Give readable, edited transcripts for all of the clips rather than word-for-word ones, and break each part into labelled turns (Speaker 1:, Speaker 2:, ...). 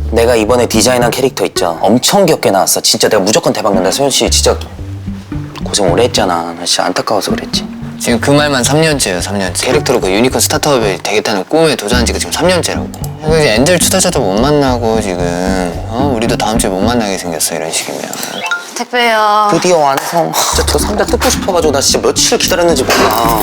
Speaker 1: 내가 이번에 디자인한 캐릭터 있죠. 엄청 귀엽게 나왔어. 진짜 내가 무조건 대박 난다. 소연 씨 진짜 고생 오래 했잖아. 나 진짜 안타까워서 그랬지.
Speaker 2: 지금 그 말만 3년째예요, 3년째. 캐릭터로 그 유니콘 스타트업이 되겠다는 꿈에 도전한 지가 지금 3년째라고. 그래서 이제 엔젤 투자자도 못 만나고 지금 우리도 다음 주에 못 만나게 생겼어, 이런 식이면.
Speaker 3: 택배요.
Speaker 1: 드디어 완성. 진짜 저 상자 뜯고 싶어가지고 나 진짜 며칠 기다렸는지 몰라.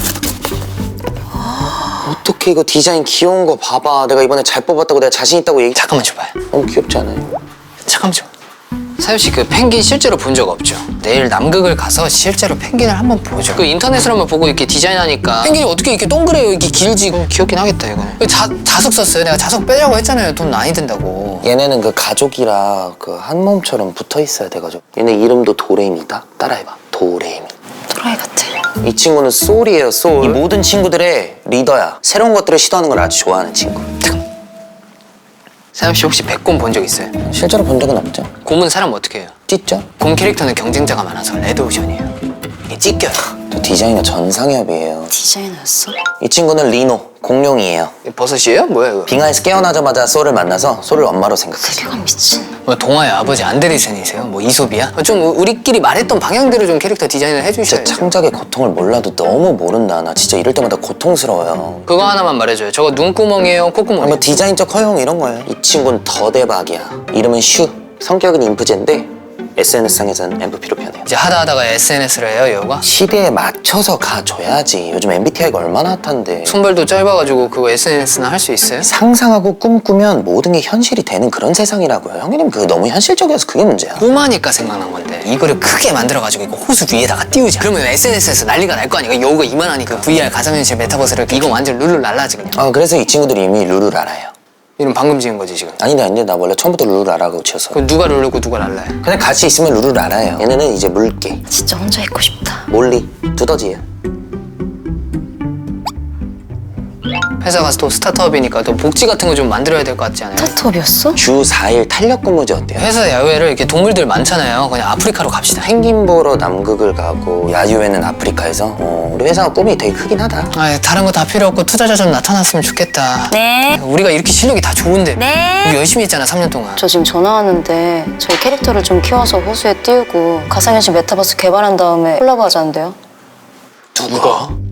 Speaker 1: 어떻게 이거 디자인 귀여운 거 봐봐. 내가 이번에 잘 뽑았다고 내가 자신 있다고 얘기.
Speaker 2: 잠깐만 줘봐요.
Speaker 1: 너무 귀엽지 않아요?
Speaker 2: 잠깐만 줘. 사유 씨, 그 펭귄 실제로 본 적 없죠? 내일 남극을 가서 실제로 펭귄을 한번 보죠. 그 인터넷으로만 보고 이렇게 디자인하니까 펭귄이 어떻게 이렇게 동그래요, 이렇게 길지? 귀엽긴 하겠다 이거는. 자석 썼어요. 내가 자석 빼자고 했잖아요. 돈 많이 든다고.
Speaker 1: 얘네는 그 가족이라 그 한 몸처럼 붙어 있어야 돼가지고. 얘네 이름도 도레미다. 따라해봐. 도레미.
Speaker 3: 또라이 같아.
Speaker 1: 이 친구는 소울이에요, 소울. 이 모든 친구들의 리더야. 새로운 것들을 시도하는 걸 아주 좋아하는 친구.
Speaker 2: 사유 씨 혹시 백곰 본 적 있어요?
Speaker 1: 실제로 본 적은 없죠.
Speaker 2: 곰은 사람 어떻게 해요?
Speaker 1: 찢죠?
Speaker 2: 곰 캐릭터는 경쟁자가 많아서 레드오션이에요. 이게 찢겨요.
Speaker 1: 저 디자이너 전상엽이에요.
Speaker 3: 디자이너였어?
Speaker 1: 이 친구는 리노, 공룡이에요.
Speaker 2: 이게 버섯이에요? 뭐야 이거?
Speaker 1: 빙하에서 깨어나자마자 소울을 만나서 소울을 엄마로 생각했어요.
Speaker 3: 세계관 미친.
Speaker 2: 뭐 동화의 아버지 안데르센이세요? 뭐 이솝이야? 좀 우리끼리 말했던 방향대로 좀 캐릭터 디자인을
Speaker 1: 진짜
Speaker 2: 해주셔야죠.
Speaker 1: 창작의 고통을 몰라도 너무 모른다. 나 진짜 이럴 때마다 고통스러워요.
Speaker 2: 그거 하나만 말해줘요. 저거 눈구멍이에요? 콧구멍이에요?
Speaker 1: 뭐 디자인적 허용 이런 거예요. 이 친구는 더 대박이야. 이름은 슈. 성격은 인프제인데 SNS상에서는 MVP로 변해요.
Speaker 2: 이제 하다가 SNS를 해요, 여우가?
Speaker 1: 시대에 맞춰서 가줘야지. 요즘 MBTI가 얼마나 핫한데.
Speaker 2: 손발도 짧아가지고 그거 SNS나 할 수 있어요?
Speaker 1: 상상하고 꿈꾸면 모든 게 현실이 되는 그런 세상이라고요. 형님 그거 너무 현실적이어서 그게 문제야.
Speaker 2: 꿈하니까 생각난 건데 이거를 크게 만들어가지고 이거 호수 위에다가 띄우자. 그러면 SNS에서 난리가 날 거 아니야. 여우가 이만하니까 VR 가상현실 메타버스를 이거 완전 룰루랄라지 그냥.
Speaker 1: 그래서 이 친구들이 이미 룰을 알아요.
Speaker 2: 이름 방금 지은 거지 지금.
Speaker 1: 아닌데 나 원래 처음부터 룰을 알아고 지었어.
Speaker 2: 그럼 누가 룰루고 누가 랄라요?
Speaker 1: 그냥 같이 있으면 룰을 알아요. 얘네는 이제 물개,
Speaker 3: 진짜 혼자 있고 싶다.
Speaker 1: 몰리, 두더지예요.
Speaker 2: 회사 가서 또 스타트업이니까 또 복지 같은 거 좀 만들어야 될 것 같지 않아요?
Speaker 3: 스타트업이었어?
Speaker 1: 주 4일 탄력 근무제 어때요?
Speaker 2: 회사 야외를 이렇게 동물들 많잖아요. 그냥 아프리카로 갑시다.
Speaker 1: 펭귄 보러 남극을 가고 야유회는 아프리카에서 우리 회사가 꿈이 되게 크긴 하다.
Speaker 2: 아, 다른 거 다 필요 없고 투자자 좀 나타났으면 좋겠다.
Speaker 3: 네.
Speaker 2: 우리가 이렇게 실력이 다 좋은데
Speaker 3: 네.
Speaker 2: 우리 열심히 했잖아 3년 동안.
Speaker 3: 저 지금 전화 왔는데 저희 캐릭터를 좀 키워서 호수에 띄우고 가상현실 메타버스 개발한 다음에 콜라보 하자는데요.
Speaker 2: 누가?